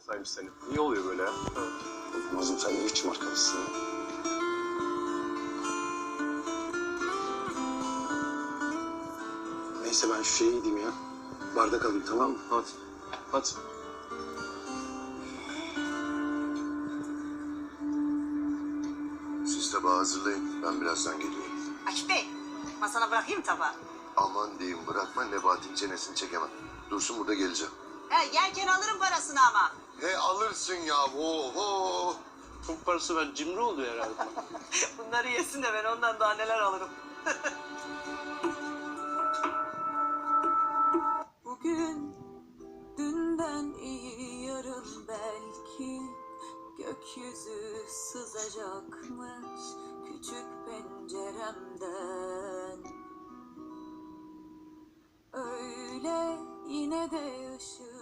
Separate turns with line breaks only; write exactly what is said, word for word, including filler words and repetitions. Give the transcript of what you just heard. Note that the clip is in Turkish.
saymış seni. İyi oluyor böyle ya.
Nazım sen ne biçim arkadaşsın ya? Neyse ben şu şeye gideyim ya. Bardak alayım, tamam mı?
Hadi. Hadi.
Siz tabağı hazırlayın. Ben birazdan geliyorum.
Akif Bey, masana bırakayım tabağı.
Aman diyeyim bırakma Nebati'nin çenesini çekemem. Dursun burada geleceğim.
He, yerken alırım parasını ama.
He alırsın ya. Oho.
Çok parası ver. Cimri oluyor herhalde.
Bunları yesin de ben ondan daha neler alırım.
Bugün dünden iyi yarın belki gökyüzü sızacakmış küçük penceremden. Öyle yine de ışık